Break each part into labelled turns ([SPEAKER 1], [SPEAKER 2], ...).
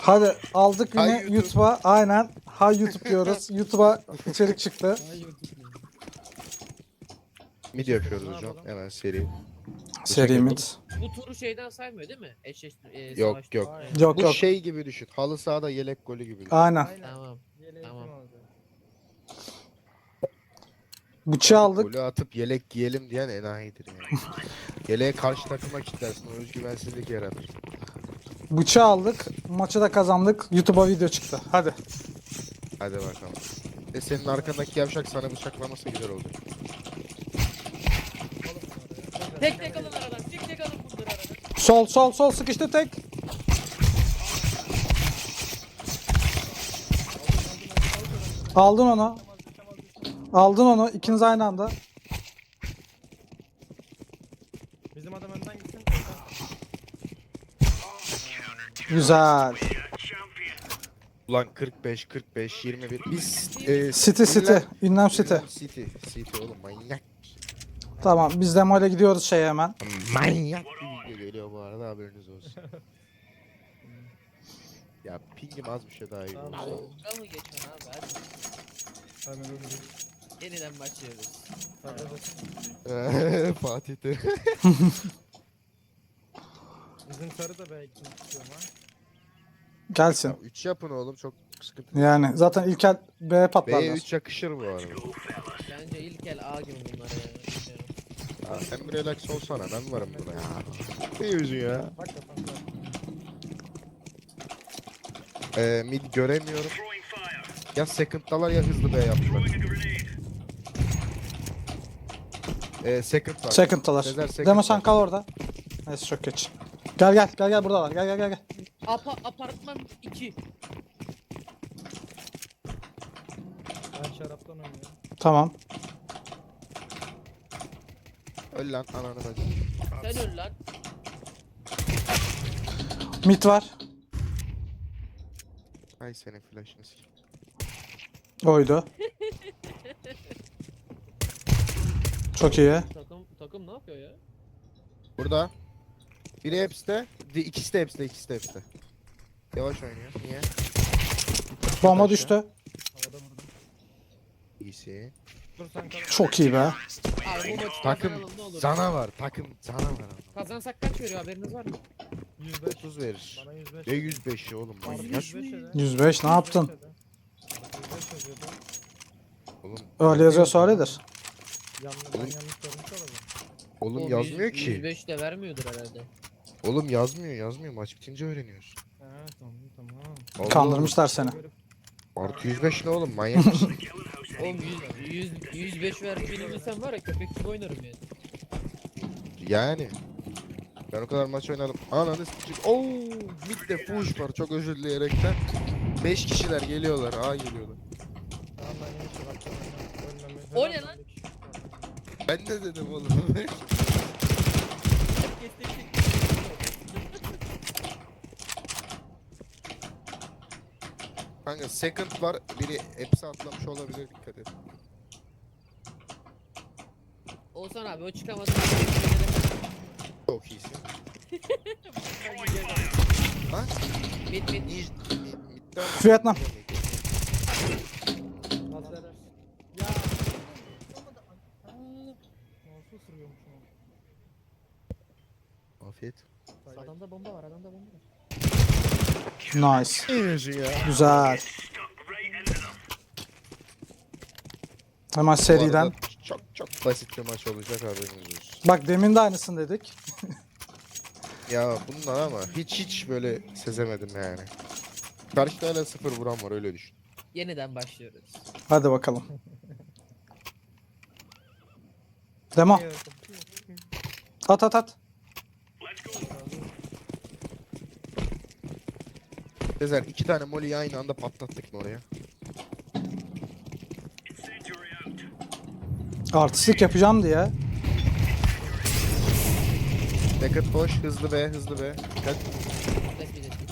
[SPEAKER 1] Hadi aldık yine
[SPEAKER 2] Hay YouTube.
[SPEAKER 1] YouTube'a. Aynen. Hay YouTube diyoruz. YouTube'a içerik çıktı.
[SPEAKER 2] Mid yapıyoruz
[SPEAKER 3] Ne
[SPEAKER 2] hocam.
[SPEAKER 3] yapalım?
[SPEAKER 2] Hemen seri.
[SPEAKER 1] Seri mid.
[SPEAKER 4] Bu turu şeyden saymıyor değil mi?
[SPEAKER 2] Yok,
[SPEAKER 4] Savaş
[SPEAKER 2] yok.
[SPEAKER 4] turu.
[SPEAKER 3] Aynen.
[SPEAKER 1] Yok
[SPEAKER 2] Bu
[SPEAKER 1] yok.
[SPEAKER 2] şey gibi düşün. Halı sahada yelek golü gibi düşün.
[SPEAKER 1] Aynen.
[SPEAKER 3] Aynen.
[SPEAKER 4] Tamam.
[SPEAKER 3] Yeleği
[SPEAKER 4] Tamam.
[SPEAKER 3] kim alacak?
[SPEAKER 1] Bıçağı aldık.
[SPEAKER 2] Golü atıp yelek giyelim diyen enayidir yani. Yeleğe karşı takıma kilitlersin. O özgüvensizlik yaratır.
[SPEAKER 1] Bıçağı aldık. Maçı da kazandık. YouTube'a video çıktı. Hadi.
[SPEAKER 2] Hadi bakalım. Senin arkandaki yavşak sana bıçaklaması güzel oldu.
[SPEAKER 4] Tek tek alın aradan. Tek tek alın bunları aradan.
[SPEAKER 1] Sol sol sol sıkıştı tek. Aldın onu. Aldın onu. İkiniz aynı anda.
[SPEAKER 3] Bizim adam önden gitsin.
[SPEAKER 2] Ulan
[SPEAKER 1] Güzel.
[SPEAKER 2] 45, 21. Biz
[SPEAKER 1] City. Ünlem City.
[SPEAKER 2] City oğlum manyak.
[SPEAKER 1] Tamam biz demoyla gidiyoruz şeye hemen.
[SPEAKER 2] Manyak bir video geliyor bu arada haberiniz olsun. Ya pingim az bir şey daha iyi.
[SPEAKER 3] Tamam.
[SPEAKER 2] oldu.
[SPEAKER 4] Dalga mı geçiyorsun abi? Hadi.
[SPEAKER 3] Hadi dur.
[SPEAKER 4] Yeniden başlıyoruz.
[SPEAKER 3] Hadi.
[SPEAKER 2] Fatih'te.
[SPEAKER 3] Bizim sarı da belki istiyorum ha.
[SPEAKER 1] Gelsin.
[SPEAKER 2] 3 yapın oğlum çok sıkıntı.
[SPEAKER 1] Yani zaten İlker B
[SPEAKER 2] B'ye
[SPEAKER 1] patlarlar.
[SPEAKER 2] 3 yakışır bu arada.
[SPEAKER 4] Bence ilk el A gibi bunlar ya. Bilmiyorum.
[SPEAKER 2] Ya sen bir relax olsana ben varım buna ya. Ne yüzü ya?
[SPEAKER 3] Bak kafam var.
[SPEAKER 2] Mid göremiyorum. Ya second'dalar ya hızlı B yaptılar. Second var.
[SPEAKER 1] Second'talar.
[SPEAKER 2] Sezer second
[SPEAKER 1] Demo sen
[SPEAKER 2] var.
[SPEAKER 1] kal orada. Neyse çok geç. Gel buradalar. Gel.
[SPEAKER 4] Apartman 2.
[SPEAKER 3] Ben şaraptan oynuyorum.
[SPEAKER 1] Tamam.
[SPEAKER 2] Öl lan ananı bacı.
[SPEAKER 4] Sen öl lan.
[SPEAKER 1] Mid var.
[SPEAKER 2] Ay senin flash'ını sik.
[SPEAKER 1] Oydu. Çok iyi.
[SPEAKER 4] Takım ne yapıyor ya?
[SPEAKER 2] Burada. Biri hepside. İkisi de hepside. Yavaş oynuyor. Niye?
[SPEAKER 1] Bomba
[SPEAKER 2] Aşağı.
[SPEAKER 1] düştü.
[SPEAKER 3] Havada vurdum.
[SPEAKER 2] İyisi.
[SPEAKER 3] Dur sen kal.
[SPEAKER 1] Çok iyi be.
[SPEAKER 4] Abi bu maçı
[SPEAKER 2] Takım
[SPEAKER 4] kazanalım ne olur.
[SPEAKER 2] canavar. Takım canavar.
[SPEAKER 4] Kazansak kaç veriyor haberiniz var mı?
[SPEAKER 3] 105.
[SPEAKER 2] 30 verir.
[SPEAKER 3] Bana 105.
[SPEAKER 2] Ne 105'i oğlum
[SPEAKER 3] Bana
[SPEAKER 2] manyak.
[SPEAKER 3] 105 dedi.
[SPEAKER 1] 105 ne yaptın?
[SPEAKER 3] 105 yazıyordu.
[SPEAKER 2] Oğlum,
[SPEAKER 1] Öyle yazıyorsa öyledir.
[SPEAKER 3] Ben yanlış görmüş olabilirim.
[SPEAKER 2] oğlum
[SPEAKER 4] Oğlum,
[SPEAKER 2] yazmıyor ki.
[SPEAKER 4] 105 de vermiyordur herhalde.
[SPEAKER 2] Oğlum yazmıyor. Maç bitince öğreniyoruz.
[SPEAKER 3] He tamam.
[SPEAKER 2] Allah
[SPEAKER 1] Kandırmışlar seni.
[SPEAKER 2] Allah. Artı 105 ne oğlum manyak mısın?
[SPEAKER 4] Oğlum 105 verdiğini bilsem var ya köpek gibi oynarım yani.
[SPEAKER 2] Yani. Ben o kadar maç oynadım. Ananı s***. Ooo midde fuş var çok özür dileyerekten. 5 kişiler geliyorlar. A geliyorlar.
[SPEAKER 3] Tamam ben yine şaraptan oynuyorum. Ölmemi.
[SPEAKER 4] O
[SPEAKER 3] Helal
[SPEAKER 4] ne lan?
[SPEAKER 3] bir kişi.
[SPEAKER 2] Ben de dedim oğlum. Kanka second var. Biri hepsi atlamış olabilir dikkat et.
[SPEAKER 4] Olsan abi o çıkamadı.
[SPEAKER 2] Çok iyisin. Lan
[SPEAKER 4] Mid
[SPEAKER 2] midden
[SPEAKER 1] Vietnam.
[SPEAKER 3] Lazer. Ya. Nasıl ısırıyormuşum onu?
[SPEAKER 2] Afiyet.
[SPEAKER 4] Adamda bomba var adamda bomba var.
[SPEAKER 1] Nice.
[SPEAKER 2] Ne yüzü ya?
[SPEAKER 1] Güzel. Hemen seriden.
[SPEAKER 2] Çok basit bir maç olacak haberiniz olsun.
[SPEAKER 1] Bak demin de aynısını dedik.
[SPEAKER 2] Ya bunlar ama hiç böyle sezemedim yani. Karşıda hala 0 vuran var öyle düşün.
[SPEAKER 4] Yeniden başlıyoruz.
[SPEAKER 1] Hadi bakalım. Demo. At.
[SPEAKER 2] Sezer 2 tane molly'yi aynı anda patlattık mı oraya?
[SPEAKER 1] Artistlik yapacağım diye.
[SPEAKER 2] Naked boş hızlı be. Dikkat.
[SPEAKER 4] Tespit ettik.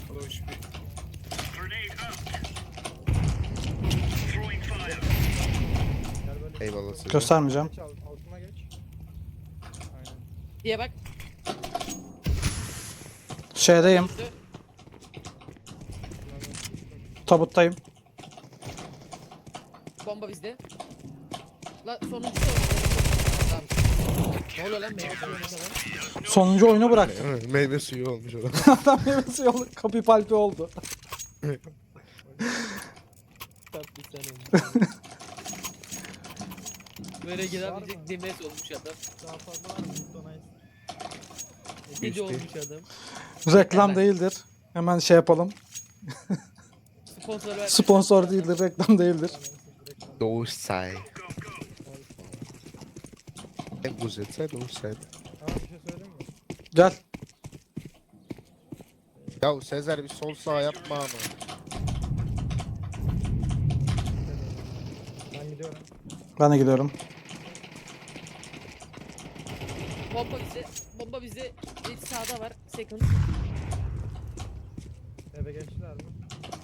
[SPEAKER 3] Gel böyle.
[SPEAKER 2] Eyvallah Sezer.
[SPEAKER 1] Göstermeyeceğim.
[SPEAKER 3] Geç altına geç. Aynen.
[SPEAKER 4] Diye bak.
[SPEAKER 1] Şeydeyim.
[SPEAKER 4] Düştü.
[SPEAKER 1] Tabuttayım.
[SPEAKER 4] Bomba bizde. La sonuncu da Tamam. Ne oluyor lan meyve suyu falan?
[SPEAKER 1] Sonuncu oyunu bıraktım.
[SPEAKER 2] Meyve suyu olmuş orada.
[SPEAKER 1] Adam meyvesi yolu kapı palpi oldu.
[SPEAKER 4] Tatlı sen olmuş. Böyle gidebilecek demes olmuş adam.
[SPEAKER 3] Daha fazla var mı? Donayız.
[SPEAKER 4] Deli
[SPEAKER 2] Geçti.
[SPEAKER 4] olmuş adam.
[SPEAKER 1] Reklam
[SPEAKER 4] Hemen.
[SPEAKER 1] değildir. Hemen şey yapalım.
[SPEAKER 4] Sponsor ver.
[SPEAKER 1] Sponsor değildir, reklam değildir.
[SPEAKER 2] Doğuşsay. En güzelse doğuşsay.
[SPEAKER 3] Ama bir şey söyleyeyim mi?
[SPEAKER 1] Gel.
[SPEAKER 2] Ya Sezer bir sol sağ yapma ama.
[SPEAKER 3] Ben gidiyorum.
[SPEAKER 1] Ben de gidiyorum.
[SPEAKER 4] Bomba bizde. Bomba bizde. Bir sağda var. Second.
[SPEAKER 3] Eve geçtiler mi?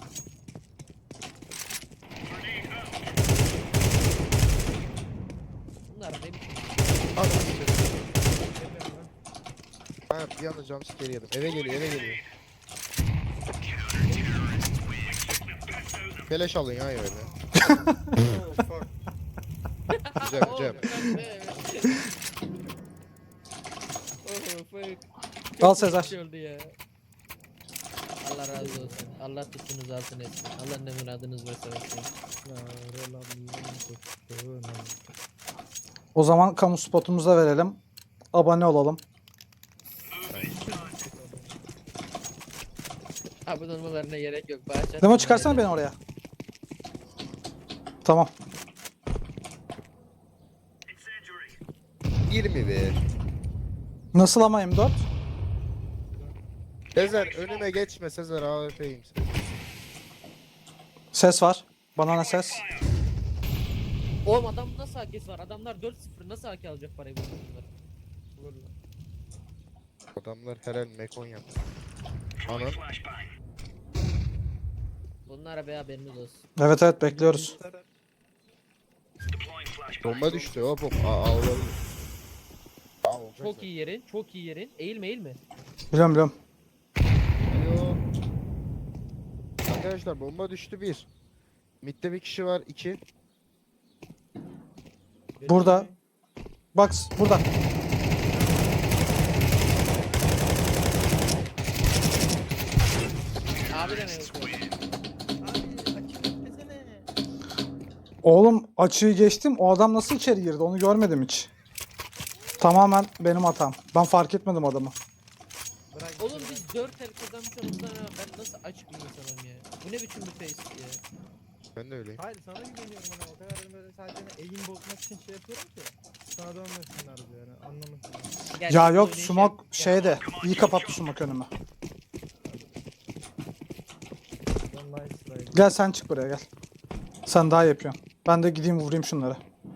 [SPEAKER 4] Bunlar ne biçim?
[SPEAKER 3] Geliyorum ben.
[SPEAKER 2] Ha bir anda jumpscare yedim. Eve geliyor eve geliyor. Beleş alın ya öyle. Güzel güzel.
[SPEAKER 4] Oh fuck.
[SPEAKER 1] Al Sezer.
[SPEAKER 4] Şey oldu ya. Allah razı olsun. Allah tuttuğunuz altın etsin. Allah ne muradınız varsa versin.
[SPEAKER 1] O zaman kamu spotumuzu da verelim. Abone olalım.
[SPEAKER 4] Abone olmalarına gerek yok. Bağış
[SPEAKER 1] Demo çıkarsana beni oraya. Tamam.
[SPEAKER 2] 21.
[SPEAKER 1] Nasıl ama M4?
[SPEAKER 2] Sezer önüme geçme Sezer AWP'yim sen.
[SPEAKER 1] Ses var. Banana ses.
[SPEAKER 4] Oğlum adam nasıl AK'si var? Adamlar 4-0 nasıl AK alacak parayı bunlar?
[SPEAKER 3] Vururlar.
[SPEAKER 2] Adamlar her el mekon yaptı. Anam.
[SPEAKER 4] Bunlara be haberiniz olsun.
[SPEAKER 1] Evet evet bekliyoruz.
[SPEAKER 2] Bomba düştü hop hop. Aa olabilir. Aa olacak
[SPEAKER 4] Çok iyi yerin, çok iyi yerin. Eğilme eğilme.
[SPEAKER 1] Biliyorum biliyorum.
[SPEAKER 2] Alo. Arkadaşlar bomba düştü 1. Mid'de bir kişi var 2.
[SPEAKER 1] Burada. Bak burada.
[SPEAKER 4] Abi de ne yok?
[SPEAKER 1] Oğlum açığı geçtim. O adam nasıl içeri girdi onu görmedim hiç. Tamamen benim hatam. Ben fark etmedim adamı.
[SPEAKER 3] Bırak.
[SPEAKER 4] Oğlum biz 4 el kazanmışız ama ben nasıl açık bir insanım ya? Bu ne biçim bir face ya?
[SPEAKER 2] Ben de öyleyim.
[SPEAKER 3] Hayır sana güveniyorum hani o kadar böyle sadece eğim bozmak için şey yapıyorum ki. Sana dönmesinler diye yani anlamasınlar.
[SPEAKER 4] Gel,
[SPEAKER 1] Ya
[SPEAKER 4] biz
[SPEAKER 1] yok
[SPEAKER 4] oynayışa-
[SPEAKER 1] smoke şeyde. İyi kapattı smoke önümü.
[SPEAKER 3] Ben daha İsrail.
[SPEAKER 1] Gel sen çık buraya gel. Sen daha iyi yapıyorsun. Ben de gideyim vurayım şunları.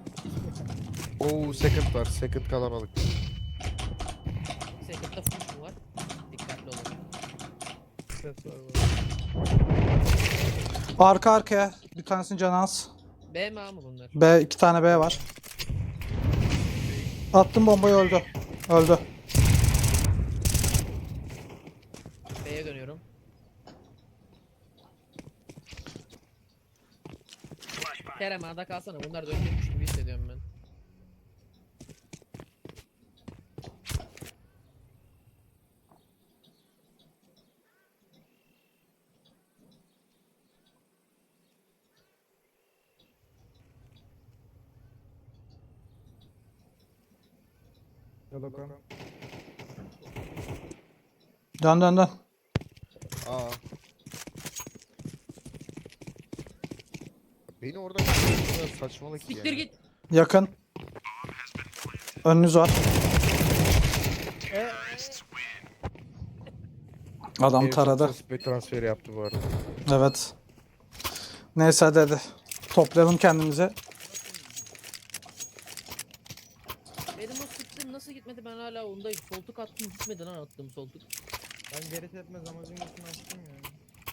[SPEAKER 2] Oo second var. Second kalabalık.
[SPEAKER 4] Second'da full mu var? Dikkatli olun.
[SPEAKER 3] Ses var böyle.
[SPEAKER 1] Arka arkaya. Bir tanesinin canı az.
[SPEAKER 4] B mi A mı bunlar?
[SPEAKER 1] B 2 tane B var. Attım bombayı öldü. Öldü.
[SPEAKER 4] B'ye dönüyorum. Kerem A'da kalsana. Bunlar dönecekmiş gibi hissediyorum ben.
[SPEAKER 3] Yalokan.
[SPEAKER 1] Dön dön dön.
[SPEAKER 2] Aa. Beni orada kadar saçmalık ya.
[SPEAKER 4] Siktir git.
[SPEAKER 1] Yakın. Önünüz var. Adam taradı.
[SPEAKER 2] Bir transfer yaptı bu arada.
[SPEAKER 1] Evet. Neyse hadi. Toplayalım kendimizi.
[SPEAKER 4] Benim o sıktığım nasıl gitmedi ben hala ondayım. Soltuk attım gitmedi lan attım soltuk.
[SPEAKER 3] Ben geri tepmez amacın üstüne açtım yani.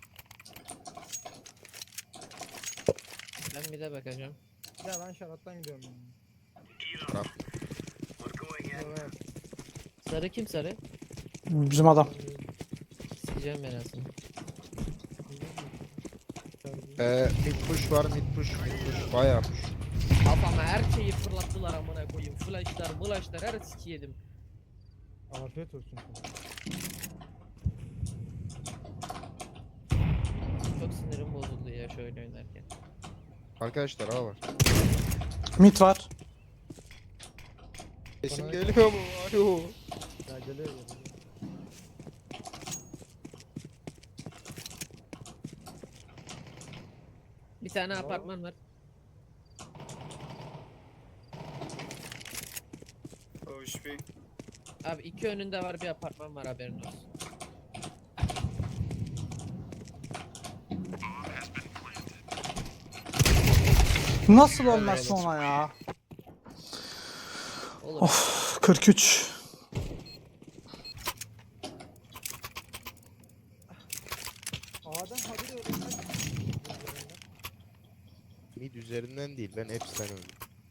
[SPEAKER 4] Ben bir de bakacağım.
[SPEAKER 3] Ya ben şaraptan gidiyorum yani.
[SPEAKER 2] Tamam.
[SPEAKER 3] Evet.
[SPEAKER 4] Sarı kim sarı?
[SPEAKER 1] Bizim adam.
[SPEAKER 4] Sikeceğim ben aslında.
[SPEAKER 2] Mid push var, mid push, mid push. Bayağı push.
[SPEAKER 4] Kafama her şeyi fırlattılar amına koyayım. Flashlar, mılaşlar her siki yedim.
[SPEAKER 3] Afiyet olsun sana.
[SPEAKER 4] Çok sinirim bozuldu ya şöyle oynarken.
[SPEAKER 2] Arkadaşlar A var.
[SPEAKER 1] Mid var.
[SPEAKER 2] Sesim
[SPEAKER 3] Bana-
[SPEAKER 2] geliyor mu? Alo.
[SPEAKER 3] Ya geliyor.
[SPEAKER 4] Bir tane
[SPEAKER 3] Bravo.
[SPEAKER 4] apartman var. Abi iki önünde var bir apartman var haberin olsun.
[SPEAKER 1] Nasıl ölmezsin ona ya?
[SPEAKER 4] Olur.
[SPEAKER 1] Of 43.
[SPEAKER 3] A'dan haberi öğrenmek.
[SPEAKER 2] Mid üzerinden değil, ben hepsinden öldüm.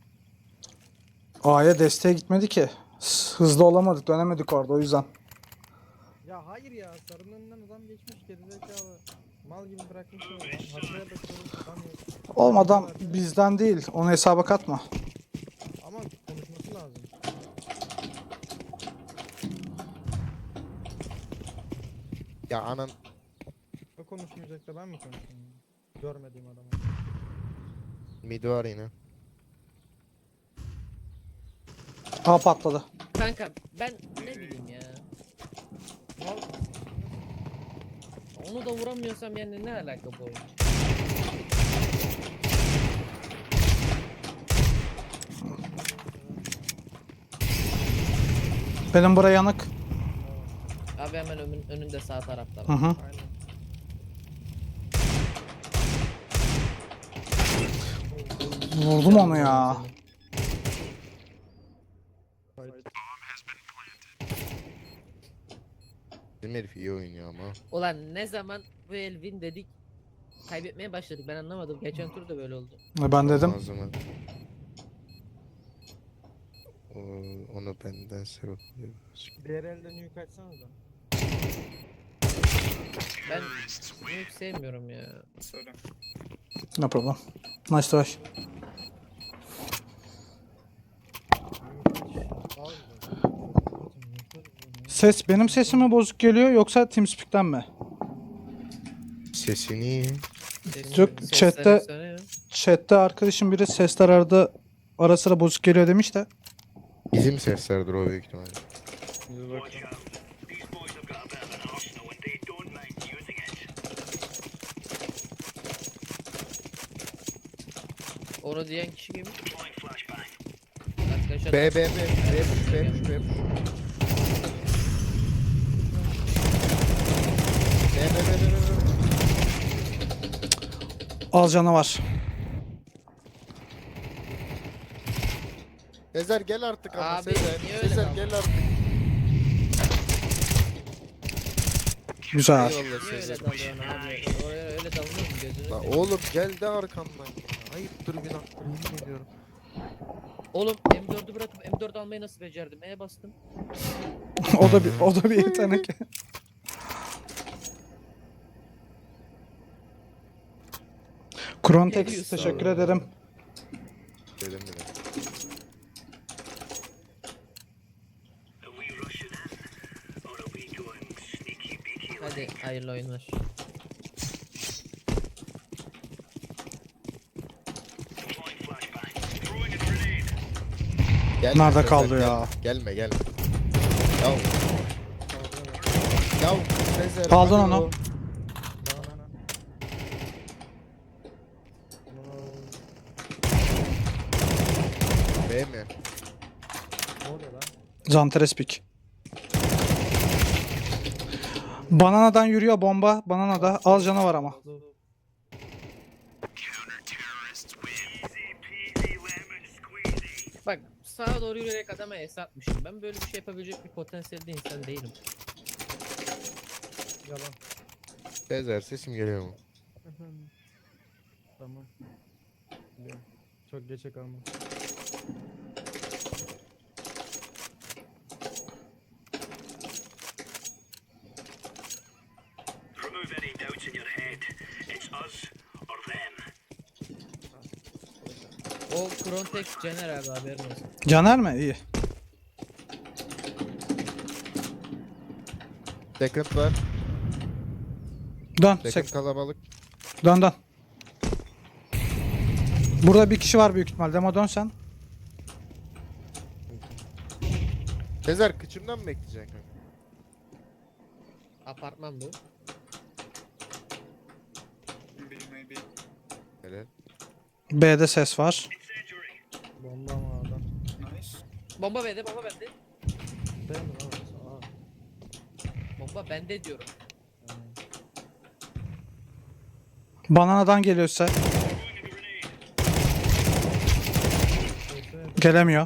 [SPEAKER 1] A'ya desteğe gitmedi ki. Hızlı olamadık, dönemedik orada o yüzden.
[SPEAKER 3] Ya hayır ya, sarının önünden adam geçmiş gerizekalı. Mal gibi bırakmış onu. Haritaya bakıyorum adam yok.
[SPEAKER 1] Oğlum adam bizden değil, onu hesaba katma.
[SPEAKER 3] Ama konuşması lazım.
[SPEAKER 2] Ya anan.
[SPEAKER 3] O konuşmayacak da ben mi konuşayım? Görmediğim adamı.
[SPEAKER 2] Mid var yine.
[SPEAKER 1] A patladı.
[SPEAKER 4] Kanka ben ne bileyim ya.
[SPEAKER 3] Mal
[SPEAKER 4] Onu da vuramıyorsam yani ne alaka bu oyun?
[SPEAKER 1] Benim buraya yanık.
[SPEAKER 4] Abi hemen önünde sağ tarafta
[SPEAKER 1] Hı
[SPEAKER 4] var.
[SPEAKER 1] hı.
[SPEAKER 3] aynen.
[SPEAKER 1] Vurdum onu ya.
[SPEAKER 2] Bizim herif iyi oynuyor ama.
[SPEAKER 4] Ulan ne zaman bu Elvin dedik kaybetmeye başladık ben anlamadım. Geçen tur da böyle oldu.
[SPEAKER 1] Ben dedim.
[SPEAKER 2] O zaman. Onu benden seviyorum.
[SPEAKER 3] Diğer elden yük açsanız da.
[SPEAKER 4] Ben büyük sevmiyorum ya.
[SPEAKER 1] No problem. Nice try. Ses benim sesime bozuk geliyor yoksa TeamSpeak'ten mi?
[SPEAKER 2] Sesini.
[SPEAKER 1] Yok,
[SPEAKER 4] Sesler
[SPEAKER 1] chatte-
[SPEAKER 4] efsane ya.
[SPEAKER 1] Chat'te arkadaşım biri sesler arada ara sıra bozuk geliyor demiş de.
[SPEAKER 2] Bizim seslerdir o büyük ihtimalle.
[SPEAKER 4] Onu diyen kişi kim? Arkadaşlar
[SPEAKER 2] B, B, B, B, push, B, push, B, push. B, B, B, B, B.
[SPEAKER 1] Az canı var.
[SPEAKER 2] Sezer gel artık ama
[SPEAKER 4] Abi,
[SPEAKER 2] Sezer.
[SPEAKER 4] niye öyle
[SPEAKER 2] Sezer
[SPEAKER 4] kaldın?
[SPEAKER 2] gel artık.
[SPEAKER 1] Güzel.
[SPEAKER 2] Eyvallah
[SPEAKER 4] niye öyle
[SPEAKER 2] Sezer.
[SPEAKER 4] dalıyorsun abi? Oraya öyle dalınır mı gözünü?
[SPEAKER 2] La oğlum gel de arkamdan ya. Ayıptır günahtır yemin ediyorum.
[SPEAKER 4] Oğlum M4'ü bırakıp M4 almayı nasıl becerdim? E'ye bastım.
[SPEAKER 1] o da bir yetenek. Krontex
[SPEAKER 4] Geliyorsun
[SPEAKER 1] teşekkür
[SPEAKER 4] abi.
[SPEAKER 1] ederim.
[SPEAKER 2] Dedim bile.
[SPEAKER 4] Hadi hayırlı oyunlar.
[SPEAKER 2] Gelme
[SPEAKER 1] Nerede
[SPEAKER 2] Sezer,
[SPEAKER 1] kaldı
[SPEAKER 2] gelme.
[SPEAKER 1] ya?
[SPEAKER 2] Gelme gelme. Yav. Yav Sezer.
[SPEAKER 1] Aldın
[SPEAKER 2] alo.
[SPEAKER 1] onu.
[SPEAKER 2] B mi?
[SPEAKER 3] Ne oluyor lan?
[SPEAKER 1] Zanterespik. Bananadan yürüyor bomba. Bananada az canı var ama.
[SPEAKER 4] Bak sağa doğru yürüyerek adama es atmışım. Ben böyle bir şey yapabilecek bir potansiyelde insan değilim.
[SPEAKER 3] Yalan.
[SPEAKER 2] Sezer sesim geliyor mu?
[SPEAKER 3] Tamam. Biliyorum. Çok geçe kalma.
[SPEAKER 5] Remove any doubts in your head. It's us or them.
[SPEAKER 4] O Krontex Cener abi haberin olsun.
[SPEAKER 1] Caner mi? İyi.
[SPEAKER 2] Second var.
[SPEAKER 1] Dön.
[SPEAKER 2] Second kalabalık.
[SPEAKER 1] Dön dön. Burada bir kişi var büyük ihtimal. Demo dön sen.
[SPEAKER 2] Sezer kıçımdan mı bekleyeceksin kanka?
[SPEAKER 4] Apartman bu.
[SPEAKER 2] Helal.
[SPEAKER 1] B'de ses var.
[SPEAKER 3] Bomba mı adam?
[SPEAKER 4] Bomba bende, bomba bende.
[SPEAKER 3] Ben mi lan? Aa.
[SPEAKER 4] Bomba bende diyorum.
[SPEAKER 1] Bananadan geliyorsa gelemiyor.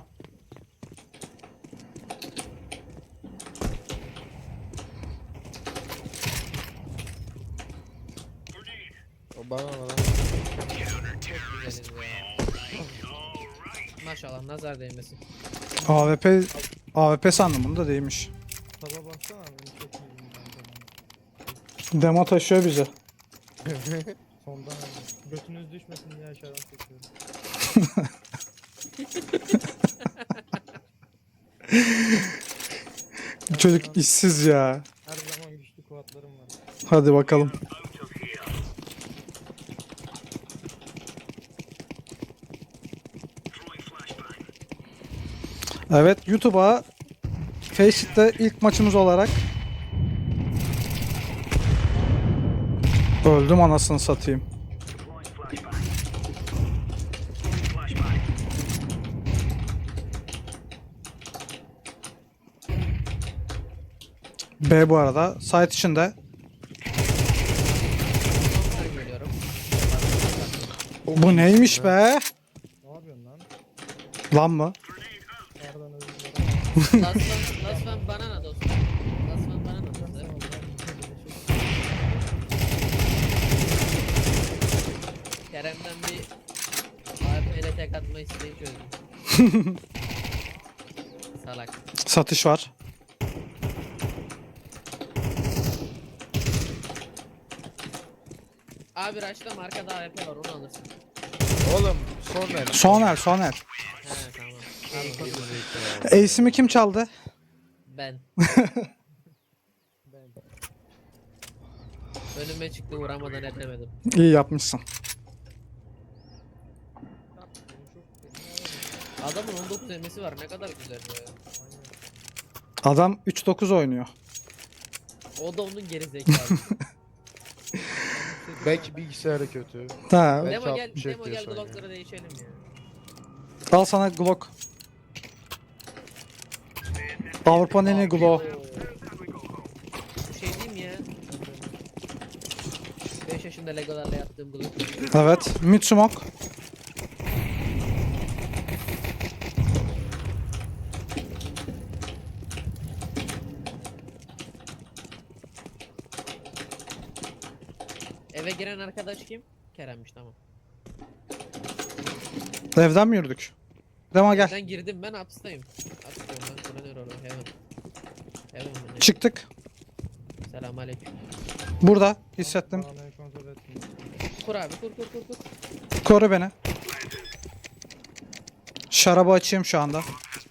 [SPEAKER 2] O bana lan.
[SPEAKER 4] Çok güzeliz ya. Maşallah nazar değmesin.
[SPEAKER 1] AWP sandım, bunu da değilmiş.
[SPEAKER 3] Taba baksana abi. Beni çok iyi.
[SPEAKER 1] Demo taşıyor bizi.
[SPEAKER 3] Sondan abi. Götünüz düşmesin diye aşağıdan çekiyorum.
[SPEAKER 1] Çocuk işsiz ya.
[SPEAKER 3] Her zaman güçlü kuvvetlerim var.
[SPEAKER 1] Hadi bakalım. Evet, YouTube'a Faceit ilk maçımız olarak öldüm, anasını satayım. B bu arada site içinde.
[SPEAKER 4] Ben geliyorum.
[SPEAKER 1] Bu neymiş be?
[SPEAKER 3] Ne yapıyorsun lan?
[SPEAKER 1] Lan mı?
[SPEAKER 3] Pardon özür dilerim.
[SPEAKER 4] Last one banana dostum. Last one banana dostum. Kerem'den bir AWP tek atma isteği çözdüm. Salak.
[SPEAKER 1] Satış var.
[SPEAKER 4] Abi Raş'ta markada AWP var onu alırsın.
[SPEAKER 2] Oğlum son el.
[SPEAKER 1] Son el.
[SPEAKER 4] He tamam. Tamam.
[SPEAKER 1] Ace'imi kim çaldı?
[SPEAKER 4] Ben.
[SPEAKER 3] Ben.
[SPEAKER 4] Önüme çıktı vuramadan edemedim.
[SPEAKER 1] İyi yapmışsın.
[SPEAKER 4] Adamın 19 emesi var ne kadar güzel be.
[SPEAKER 1] Adam 3-9 oynuyor.
[SPEAKER 4] O da onun geri zekalı.
[SPEAKER 2] Belki bilgisayarı kötü.
[SPEAKER 1] Ha,
[SPEAKER 2] Belki
[SPEAKER 4] Demo gel,
[SPEAKER 2] 60
[SPEAKER 4] Demo gel
[SPEAKER 2] FPS oynuyor.
[SPEAKER 4] Glock'ları değişelim ya.
[SPEAKER 1] al sana Glock. Avrupa'nın en iyi Glock.
[SPEAKER 4] Bu şey değil mi ya? 5 yaşında Legolarla yaptığım Glock.
[SPEAKER 1] Evet. Mid smoke.
[SPEAKER 4] Eve giren arkadaş kim? Kerem'miş tamam.
[SPEAKER 1] Evden mi yürüdük? Demo gel.
[SPEAKER 4] Ben girdim ben hapisteyim. Hapisteyim ben kullanıyor orada. Heaven. Heaven mi ne?
[SPEAKER 1] Çıktık.
[SPEAKER 4] Selamünaleyküm.
[SPEAKER 1] Burada. Hissettim.
[SPEAKER 3] Bağlayı kontrol ettim.
[SPEAKER 4] Kur abi kur kur kur kur.
[SPEAKER 1] Koru beni. Şarabı açayım şu anda.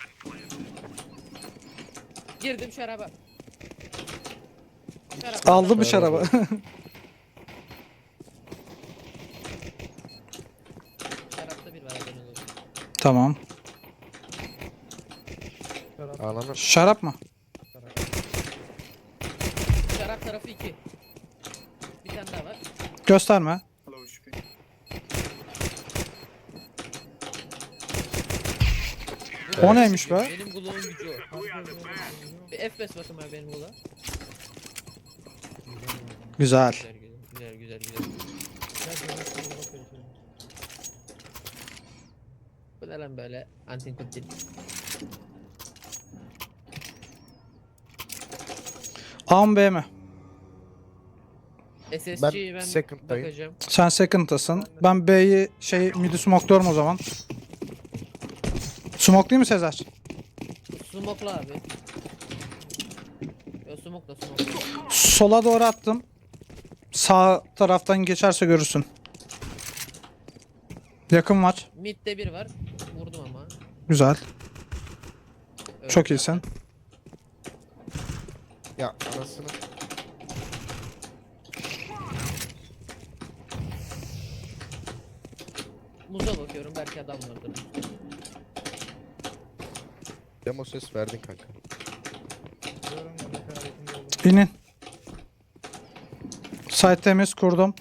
[SPEAKER 4] Girdim şaraba. Şarap.
[SPEAKER 1] Aldı mı şarabı?
[SPEAKER 4] Şarapta bir var haberiniz olsun.
[SPEAKER 1] Tamam.
[SPEAKER 2] Ananı.
[SPEAKER 1] Şarap mı?
[SPEAKER 4] Şarap tarafı 2. Bir tane daha var.
[SPEAKER 1] Gösterme. O neymiş be?
[SPEAKER 4] Benim Glock'un gücü o. Bir FPS bakın abi benim Glock'a.
[SPEAKER 1] Güzel.
[SPEAKER 4] Güzel güzel. Bu ne lan böyle antin kuntin.
[SPEAKER 1] A mı B mi?
[SPEAKER 4] SSG'yi ben
[SPEAKER 2] second'dayım.
[SPEAKER 4] bakacağım.
[SPEAKER 1] Sen second'tasın. Ben B'yi mid'i smokluyorum o zaman. Smoke değil mi Sezer?
[SPEAKER 4] Smoke'la abi. Yo smoke'la smoke.
[SPEAKER 1] Sola doğru attım. Sağ taraftan geçerse görürsün. Yakın var.
[SPEAKER 4] Mid'de bir var. Vurdum ama.
[SPEAKER 1] Güzel.
[SPEAKER 4] Öldü
[SPEAKER 1] Çok
[SPEAKER 4] zaten.
[SPEAKER 1] iyisin.
[SPEAKER 2] Ya anasını.
[SPEAKER 4] Muza bakıyorum belki adam vardır.
[SPEAKER 2] Demo ses verdin kanka.
[SPEAKER 3] Diyorum ya ne kadar yakında oldum.
[SPEAKER 1] İnin. Site temiz kurdum.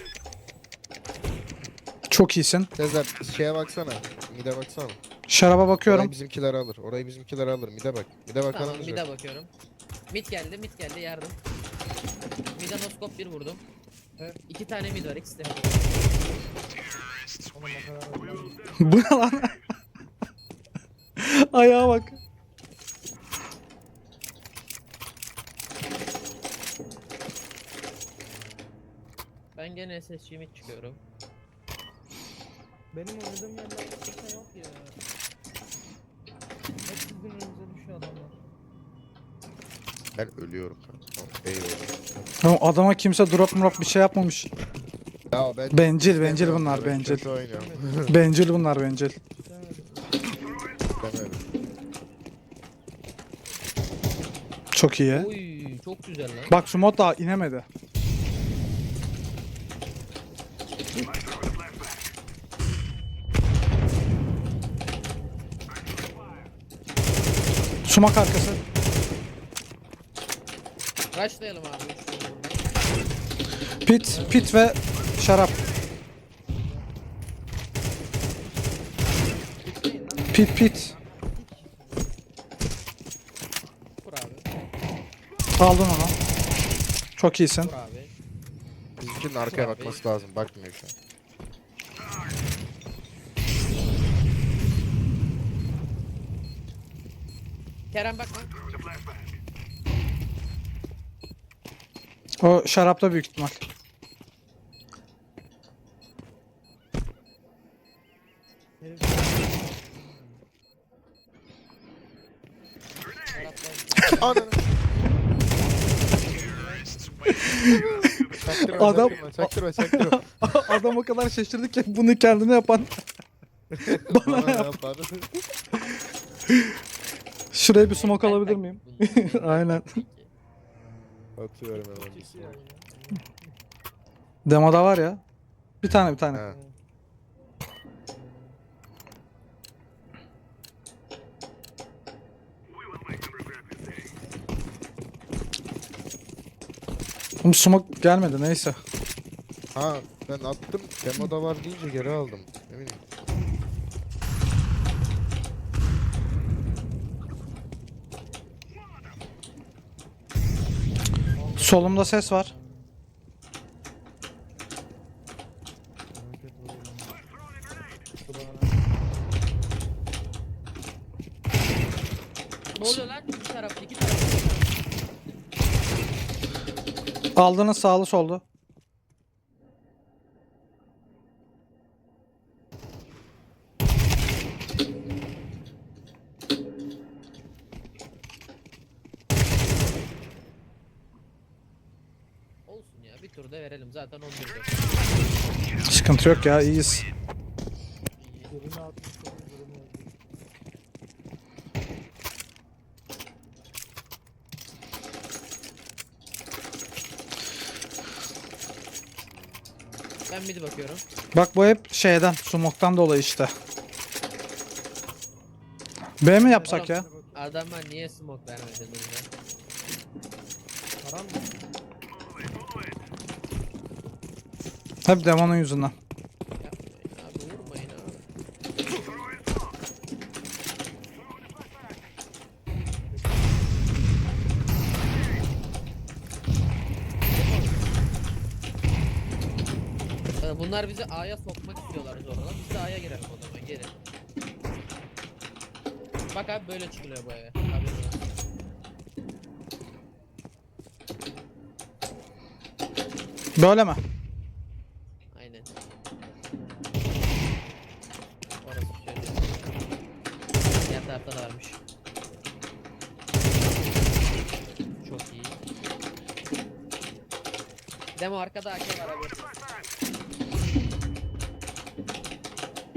[SPEAKER 1] Çok iyisin.
[SPEAKER 2] Sezer şeye baksana. Mide baksana.
[SPEAKER 1] Şaraba bakıyorum.
[SPEAKER 2] Orayı bizimkiler alır. Orayı bizimkiler alır. Mide bak. Mide bak
[SPEAKER 4] Tamam
[SPEAKER 2] anamız
[SPEAKER 4] mid'e
[SPEAKER 2] yok.
[SPEAKER 4] bakıyorum. Mid geldi yardım. Mid'e noskop bir vurdum.
[SPEAKER 3] Evet.
[SPEAKER 4] 2 tane mid var ikisi de.
[SPEAKER 3] Oğlum o kadar oldum.
[SPEAKER 1] Bu ne lan? Ayağa bak.
[SPEAKER 4] Ben gene SSG mid çıkıyorum.
[SPEAKER 3] Benim oynadığım yerlerde kimse yok ya. Hep sizin önünüze düşüyor adamlar.
[SPEAKER 2] Ben ölüyorum kanka. Eyvallah.
[SPEAKER 1] Ya adama kimse drop bir şey yapmamış.
[SPEAKER 2] Ya ben
[SPEAKER 1] Bencil
[SPEAKER 2] istemiyorum
[SPEAKER 1] bunlar
[SPEAKER 2] ya, ben
[SPEAKER 1] bencil.
[SPEAKER 2] kötü oynuyorum.
[SPEAKER 1] Bencil bunlar bencil.
[SPEAKER 3] İstemedim.
[SPEAKER 2] İstemiyorum.
[SPEAKER 1] Çok iyi.
[SPEAKER 4] Oy çok güzel lan.
[SPEAKER 1] Bak şu mod daha inemedi. Sumak arkası.
[SPEAKER 4] Rushlayalım abi. Üç burada.
[SPEAKER 1] Pit ve şarap. Pit.
[SPEAKER 4] Vur abi.
[SPEAKER 1] Aldın onu. Çok iyisin.
[SPEAKER 4] Vur abi.
[SPEAKER 2] Bizimkinin arkaya bakması lazım. Bakmıyor şu an.
[SPEAKER 4] Kerem bakma.
[SPEAKER 1] O şarapta büyük ihtimal.
[SPEAKER 3] Herif
[SPEAKER 2] Ananı. Çaktırma,
[SPEAKER 1] Adam-
[SPEAKER 2] çaktırma.
[SPEAKER 1] Adam o kadar şaşırdı ki bunu kendine yapan.
[SPEAKER 2] Bana ne yapar?
[SPEAKER 1] Şuraya bir smoke alabilir miyim? Aynen.
[SPEAKER 2] Atıyorum hemen bir
[SPEAKER 3] kişi ya.
[SPEAKER 2] smoke.
[SPEAKER 1] Demoda var ya. Bir tane.
[SPEAKER 2] Ha.
[SPEAKER 1] Oğlum smoke gelmedi neyse.
[SPEAKER 2] Ha ben attım. Demoda var deyince geri aldım. Ne bileyim.
[SPEAKER 1] Solumda ses var.
[SPEAKER 3] Hareket vuruyorum. Şu bana.
[SPEAKER 4] Ne oluyor lan? İki tarafta iki tarafta.
[SPEAKER 1] Aldığınız sağlı soldu.
[SPEAKER 4] Olsun ya bir turda verelim zaten 11'de.
[SPEAKER 1] Sıkıntı yok ya iyiyiz.
[SPEAKER 3] Birini atmış sonra birini öldü.
[SPEAKER 4] Ben midi bakıyorum.
[SPEAKER 1] Bak bu hep şeyden, smoke'tan dolayı işte. B mi yapsak ya?
[SPEAKER 4] Adamlar niye smoke vermediniz ya?
[SPEAKER 3] Param mı?
[SPEAKER 1] Hep demonun yüzünden.
[SPEAKER 4] Yapmayın abi vurmayın abi. Bunlar bizi A'ya sokmak istiyorlar zorla. Biz de A'ya girelim o zaman gelin. Bak abi böyle çıkılıyor bu eve. Haberin olsun.
[SPEAKER 1] Böyle mi?
[SPEAKER 4] Aynen. Orası şöyle. Diğer tarafta da varmış. Çok iyi. Demo arkada AK var abi.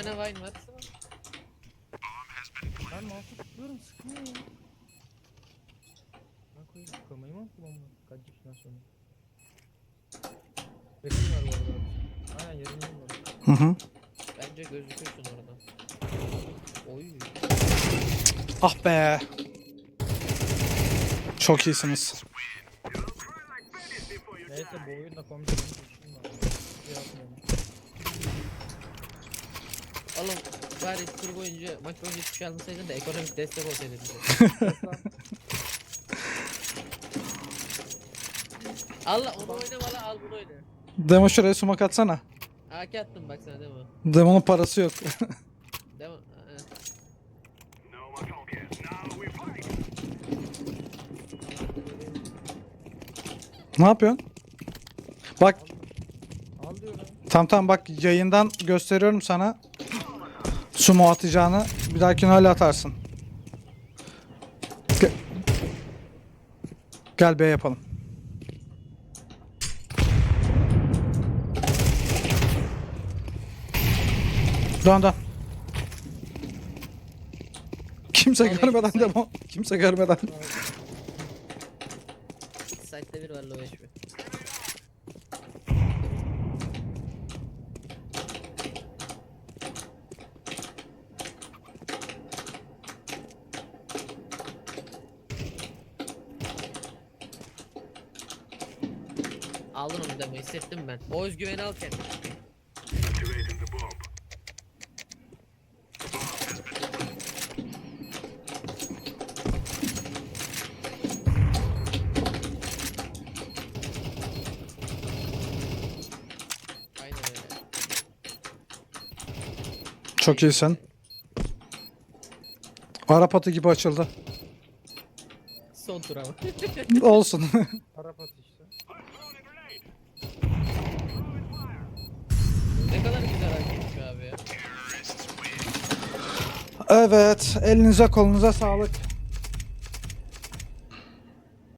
[SPEAKER 4] tane Vine var.
[SPEAKER 3] Ben mouse'u tutuyorum sıkmıyor ya. Ben koyayım sıkamayı mı kullanmam? Kaç yaşından sonra. Resim var bu arada. Aynen yerini var.
[SPEAKER 1] Hı hı.
[SPEAKER 4] Bence gözükürsün oradan. Oy.
[SPEAKER 1] Ah be. Çok iyisiniz.
[SPEAKER 3] Neyse bu oyunda komik bir işim var. Şey yapmıyorum.
[SPEAKER 4] Oğlum bari tur boyunca maç boyunca hiçbir şey almasaydın da ekonomik destek olsaydı bize. Allah onu oynama la al bunu oyna.
[SPEAKER 1] Demo şuraya sumak atsana.
[SPEAKER 4] AK attım bak sana değil mi?
[SPEAKER 1] Demo'nun parası yok.
[SPEAKER 4] Değil mi?
[SPEAKER 1] Ne yapıyorsun? Bak
[SPEAKER 3] Al diyorum.
[SPEAKER 1] tam bak yayından gösteriyorum sana. Sumo atacağını. Bir dahakine öyle atarsın. Gel, Gel B yapalım. Dön. Kimse
[SPEAKER 4] Vallahi
[SPEAKER 1] görmeden
[SPEAKER 4] kimse-
[SPEAKER 1] demo. Kimse görmeden.
[SPEAKER 4] Site'de bir var low HP. Aldın onu demo hissettim ben. O özgüveni al kendine. Aynen öyle.
[SPEAKER 1] Çok iyisin. Arap atı gibi açıldı.
[SPEAKER 4] Son tur ama.
[SPEAKER 1] Olsun.
[SPEAKER 3] Arap at işte.
[SPEAKER 4] Ne kadar güzel hareketmiş abi ya.
[SPEAKER 1] Evet, elinize kolunuza sağlık.